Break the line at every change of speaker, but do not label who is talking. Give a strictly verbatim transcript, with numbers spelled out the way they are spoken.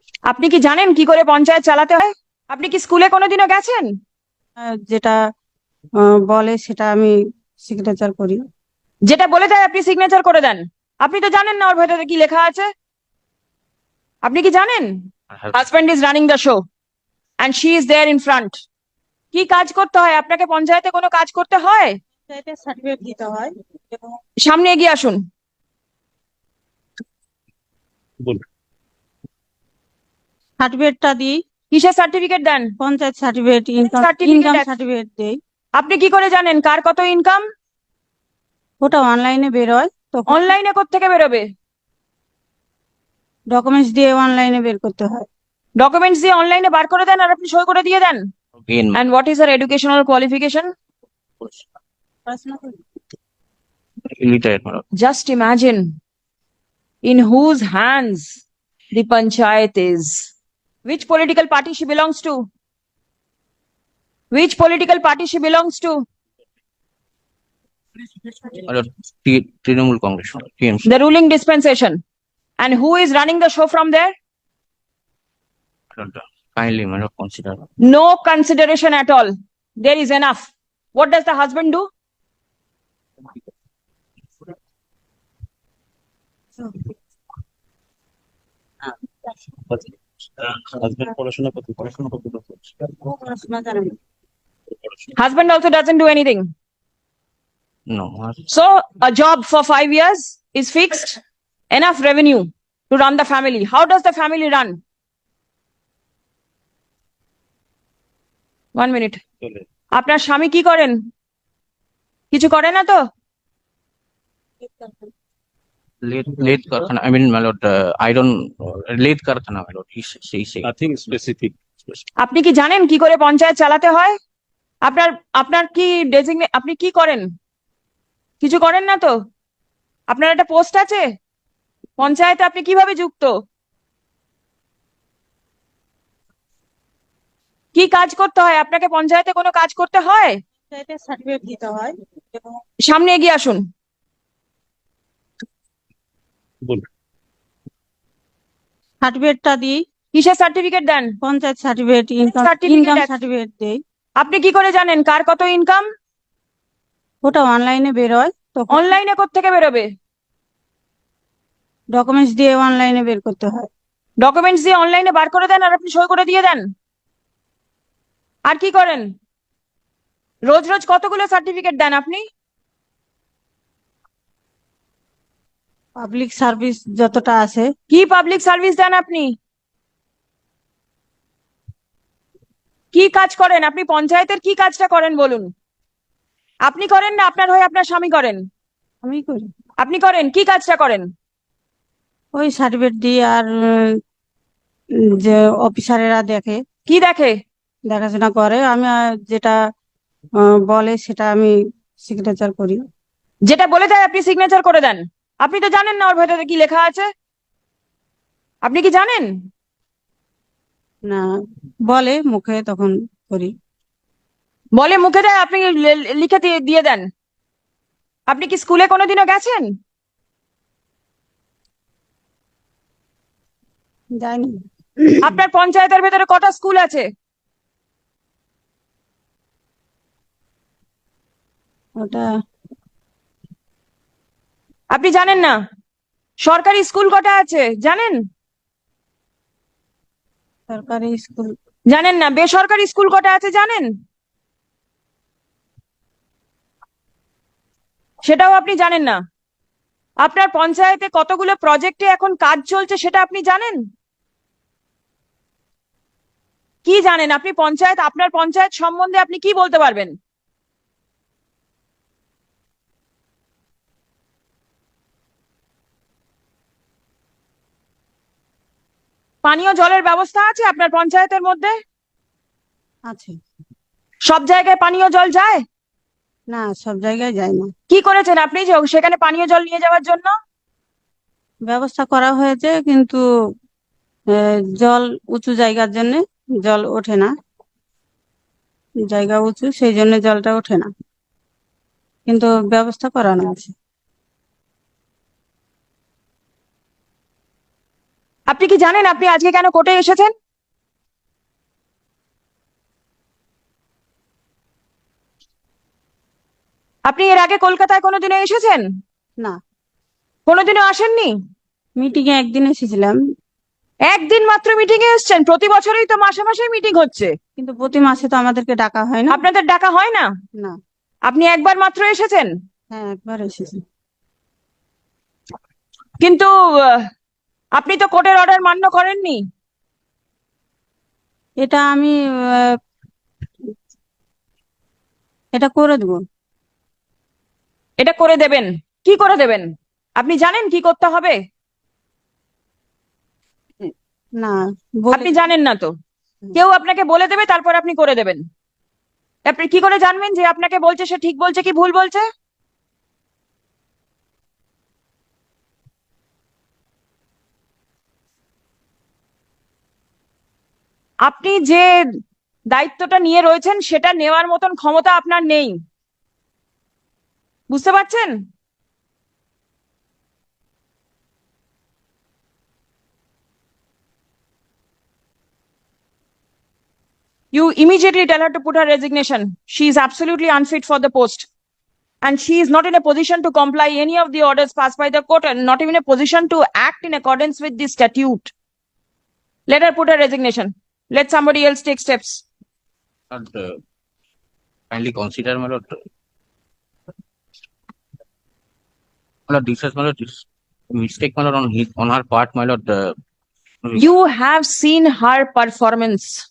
আপনি কি জানেন কি করে পঞ্চায়েত চালাতে হয়? আপনি কি স্কুলে কোনোদিনও গেছেন?
আহ, যেটা আহ, বলে সেটা আমি সিগনেচার করি।
যেটা বলে দেয় আপনি সিগনেচার করে দেন। আপনি তো জানেন না ওর ভেতরে কি লেখা আছে। আপনি কি জানেন? Husband is running the show and she is there in front. কি কাজ করতে হয় আপনাকে? পঞ্চায়েতে কোনো কাজ করতে হয়?
সার্টিফিকেট দিতে হয় এবং
সামনে এগিয়ে আসুন।
সার্টিফিকেটটা দিই।
কিসের সার্টিফিকেট দেন?
Panchayat certificate, income
certificate
income certificate দেই।
আপনি কি করে জানেন কার কত ইনকাম?
ওটা অনলাইনে বেরোয়, তখন
অনলাইনে কোত্থেকে বেরোবে?
ডকুমেন্টস দিয়ে অনলাইনে বের করতে হয়।
ডকুমেন্টস দিয়ে অনলাইনে বার করে দেন আর আপনি সই করে দিয়ে দেন।
Again,
And what is her educational qualification?
পড়াশোনা করি।
illiterate, madam.
Just imagine in whose hands the panchayat is. Which political party she belongs to? Which political party she belongs to?
Madam, T- Trinamool Congress, madam, T M C.
The ruling dispensation. And who is running the show from there?
Madam, kindly, madam, consider.
No consideration at all. There is enough. What does the husband do?
Husband পড়াশোনা করতে পড়াশোনা করতে
ও পড়াশোনা জানে না।
Husband also doesn't do anything.
No, madam.
So a job for five years is fixed. Enough revenue to run the family. How does the family run? One minute.
চলে
আপনার স্বামী কি করেন? কিছু করে না তো?
Late, late Karkhana, I mean, my lord, uh, iron, uh, late Karkhana, my lord, he s- he say.
Nothing specific
আপনি কি জানেন কি করে পঞ্চায়েত চালাতে হয়? আপনার আপনার কি ডেজিগনে আপনি কি করেন? কিছু করেন না তো? আপনার একটা পোস্ট আছে পঞ্চায়েতে, আপনি কিভাবে যুক্ত? কি কাজ করতে হয় আপনাকে? পঞ্চায়েতে কোনো কাজ করতে হয়?
পঞ্চায়েতের সার্টিফিকেট দিতে হয় এবং
সামনে এগিয়ে আসুন।
বলুন।
সার্টিফিকেটটা দিই।
কিসের সার্টিফিকেট দেন?
Panchayat certificate, income
Certificate
income
আছে।
সার্টিফিকেট দেই।
আপনি কি করে জানেন কার কত ইনকাম?
ওটা অনলাইনে বেরোয়, তখন
অনলাইনে কোত্থেকে বেরোবে?
ডকুমেন্টস দিয়ে অনলাইনে বের করতে হয়।
ডকুমেন্টস দিয়ে অনলাইনে বার করে দেন আর আপনি সই করে দিয়ে দেন। আর কি করেন? রোজ রোজ কতগুলো সার্টিফিকেট দেন আপনি?
পাবলিক সার্ভিস যতটা আছে।
কি পাবলিক সার্ভিস দেন আপনি? কি কাজ করেন আপনি? পঞ্চায়েতের কি কাজটা করেন বলুন? আপনি করেন না আপনার হয়ে আপনার স্বামী করেন?
আমি করি।
আপনি করেন, কি কাজটা করেন?
ওই সার্টিফিকেট দিই আর উম, যে অফিসারেরা দেখে,
কি দেখে?
দেখাশোনা করে। আমি আহ, যেটা আহ, বলে সেটা আমি সিগনেচার করি।
যেটা বলে দেয় আপনি সিগনেচার করে দেন। আপনি তো জানেন না ওর ভেতরে কি লেখা আছে। আপনি কি জানেন?
না, বলে মুখে, তখন করি।
বলে মুখে দেয়, আপনি লে- লিখে দিয়ে দিয়ে দেন। আপনি কি স্কুলে কোনোদিনও গেছেন?
যাইনি।
আপনার পঞ্চায়েতের ভেতরে কটা স্কুল আছে?
ওটা
আপনি জানেন না? সরকারি স্কুল কটা আছে জানেন?
সরকারি স্কুল।
জানেন না? বেসরকারি স্কুল কটা আছে জানেন? সেটাও আপনি জানেন না। আপনার পঞ্চায়েতে কতগুলো প্রজেক্টে এখন কাজ চলছে সেটা আপনি জানেন? কি জানেন আপনি? পঞ্চায়েত, আপনার পঞ্চায়েত সম্বন্ধে আপনি কি বলতে পারবেন? পানীয় জলের ব্যবস্থা আছে আপনার পঞ্চায়েতের মধ্যে?
আছে।
সব জায়গায় পানীয় জল যায়?
না, সব জায়গায় যায় না।
কি করেছেন আপনি যে সেখানে পানীয় জল নিয়ে যাওয়ার জন্য?
ব্যবস্থা করা হয়েছে, কিন্তু আহ, জল উঁচু জায়গার জন্য জল ওঠে না। জায়গা উঁচু, সেই জন্য জলটা ওঠে না, কিন্তু ব্যবস্থা করানো আছে।
আপনি কি জানেন আপনি আজকে কেন কোর্টে এসেছেন? আপনি এর আগে কলকাতায় কোনোদিনও এসেছেন?
না,
কোনোদিনও আসেননি?
মিটিং এ একদিন এসেছিলাম,
একদিন মাত্র মিটিং এ এসেছেন? প্রতি বছরই তো মাসে মাসে মিটিং হচ্ছে।
কিন্তু প্রতি মাসে তো আমাদেরকে ডাকা হয় না।
আপনাদের ডাকা হয় না?
না।
আপনি একবার মাত্র এসেছেন,
হ্যাঁ, একবার এসেছি।
কিন্তু আহ, আপনি তো কোর্টের অর্ডার মান্য করেননি।
এটা আমি আহ, এটা করে দেবো।
এটা করে দেবেন? কি করে দেবেন? আপনি জানেন কি করতে হবে?
না, বলে
আপনি জানেন না তো, কেউ আপনাকে বলে দেবে, তারপর আপনি করে দেবেন। আপনি কি করে জানবেন যে আপনাকে বলছে সে ঠিক বলছে কি ভুল বলছে? আপনি যে দায়িত্বটা নিয়ে রয়েছেন সেটা নেওয়ার মতন ক্ষমতা আপনার নেই, বুঝতে পারছেন? You immediately tell her to put her resignation. She is absolutely unfit for the post. And she is not in a position to comply any of the orders passed by the court and not even a position to act in accordance with the statute. Let her put her resignation. Let somebody else take steps.
Lord, uh, kindly consider, my lord. My lord, this is, my lord, this mistake, my lord, on his, on her part, my lord. Uh,
You have seen her performance.